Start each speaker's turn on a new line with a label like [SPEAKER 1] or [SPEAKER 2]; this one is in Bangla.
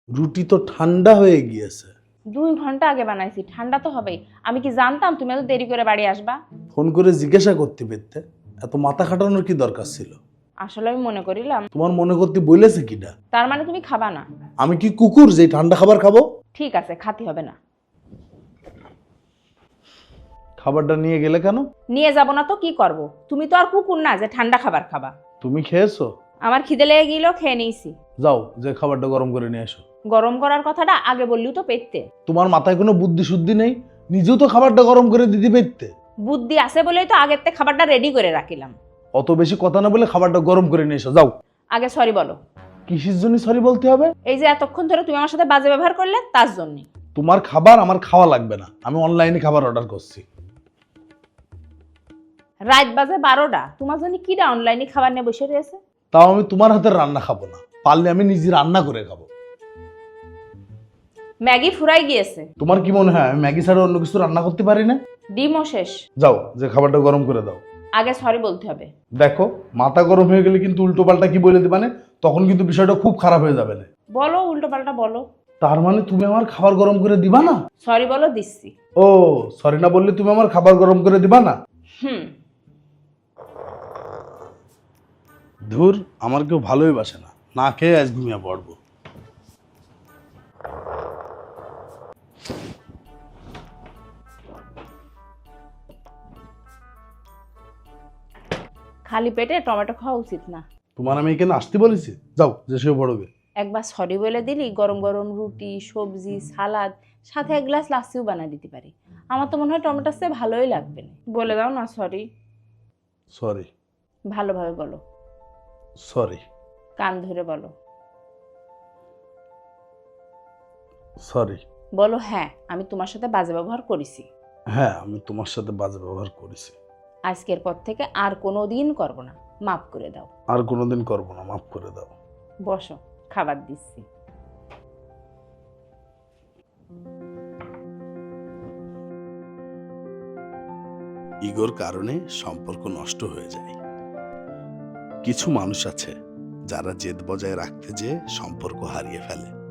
[SPEAKER 1] রুটি তো ঠান্ডা হয়ে গিয়েছে।
[SPEAKER 2] 2 ঘন্টা আগে বানাইছি, ঠান্ডা তো হবেই। আমি কি জানতাম তুমি এত দেরি করে বাড়ি আসবা?
[SPEAKER 1] ফোন করে জিজ্ঞাসা করতে পেতে এত মাথা খাটানোর কি দরকার ছিল?
[SPEAKER 2] আসলে আমি মনে করিলাম।
[SPEAKER 1] তোমার মনে করতে বলেছে কিটা?
[SPEAKER 2] তার মানে তুমি খাবা না?
[SPEAKER 1] আমি কি কুকুর যে ঠান্ডা খাবার খাবো?
[SPEAKER 2] ঠিক আছে, খাতে হবে না।
[SPEAKER 1] খাবারটা নিয়ে গেলে কেন?
[SPEAKER 2] নিয়ে যাব না তো কি করব? তুমি তো আর কুকুর না যে ঠান্ডা খাবার খাবা।
[SPEAKER 1] তুমি খেয়েছো?
[SPEAKER 2] আমার খিদে লেগে গেল, খেয়ে নিয়েছি।
[SPEAKER 1] যাও, যে খাবারটা গরম করে নিয়ে এসো।
[SPEAKER 2] গরম করার কথাটা আগে বললেও তো পেতে।
[SPEAKER 1] তোমার মাথায় কোনো বুদ্ধি শুদ্ধি নেই? নিজেও তো খাবারটা গরম করে দিতে পেতে।
[SPEAKER 2] বুদ্ধি আছে বলেই তো আগের থেকে খাবারটা রেডি করে রাখিলাম।
[SPEAKER 1] অত বেশি কথা না বলে খাবারটা গরম করে নিয়ে এসো, যাও।
[SPEAKER 2] আগে সরি বলো।
[SPEAKER 1] কিসের জন্য সরি বলতে হবে?
[SPEAKER 2] এই যে এতক্ষণ ধরে তুমি আমার সাথে বাজে ব্যবহার করলে তার জন্য।
[SPEAKER 1] তোমার খাবার আমার খাওয়া লাগবে না, আমি অনলাইনে খাবার অর্ডার করছি।
[SPEAKER 2] রাত বাজে 12টা, তোমার জন্য কিটা অনলাইনে খাবার নিয়ে বসে রয়েছে?
[SPEAKER 1] তাও আমি তোমার হাতের রান্না খাবো না, পারলে আমি নিজে রান্না করে খাবো।
[SPEAKER 2] ম্যাগি ফুরাই গিয়েছে।
[SPEAKER 1] তোমার কি মনে হয় আমি ম্যাগি ছাড়া অন্য কিছু রান্না করতে পারি না?
[SPEAKER 2] ডিমও শেষ।
[SPEAKER 1] যাও, যে খাবারটা গরম করে দাও।
[SPEAKER 2] আগে সরি বলতে হবে।
[SPEAKER 1] দেখো, মাথা গরম হয়ে গেলে কিন্তু উল্টো পাল্টা কি বলে দিবা না, তখন কিন্তু বিষয়টা খুব খারাপ হয়ে যাবে না।
[SPEAKER 2] বলো, উল্টো পাল্টা বলো।
[SPEAKER 1] তার মানে তুমি আমার খাবার গরম করে দিবা না?
[SPEAKER 2] সরি বলো, দিচ্ছি।
[SPEAKER 1] ও, সরি না বললে তুমি আমার খাবার গরম করে দিবা না?
[SPEAKER 2] হুম।
[SPEAKER 1] ধুর, আমার কেউ ভালোই বাসে না, না খেয়ে আজ ঘুমিয়ে পড়বো।
[SPEAKER 2] খালি পেটে টমেটো খাওয়া উচিত না।
[SPEAKER 1] তোমার আমি এখানে আসতে বলেছি? যাও, যে শুয়ে পড়বে।
[SPEAKER 2] একবার সরি বলে দিলি গরম গরম রুটি, সবজি, সালাদ, সাথে 1 গ্লাস লাসিও বানিয়ে দিতে পারি। আমার তো মনে হয় টমেটোর চেয়ে ভালোই লাগবে না। বলে দাও না সরি।
[SPEAKER 1] সরি।
[SPEAKER 2] ভালোভাবে বলো।
[SPEAKER 1] সরি।
[SPEAKER 2] কান ধরে বলো।
[SPEAKER 1] সরি।
[SPEAKER 2] বলো হ্যাঁ, আমি তোমার সাথে বাজে ব্যবহার করেছি।
[SPEAKER 1] হ্যাঁ, আমি তোমার সাথে বাজে ব্যবহার করেছি।
[SPEAKER 2] আজকের পর থেকে আর কোনো দিন করবো না, মাফ করে দাও।
[SPEAKER 1] আর কোনোদিন করবো না, মাফ করে দাও।
[SPEAKER 2] বসো, খাবার দিচ্ছি।
[SPEAKER 1] ইগোর কারণে সম্পর্ক নষ্ট হয়ে যায়। কিছু মানুষ আছে যারা জেদ বজায় রাখতে যেয়ে সম্পর্ক হারিয়ে ফেলে।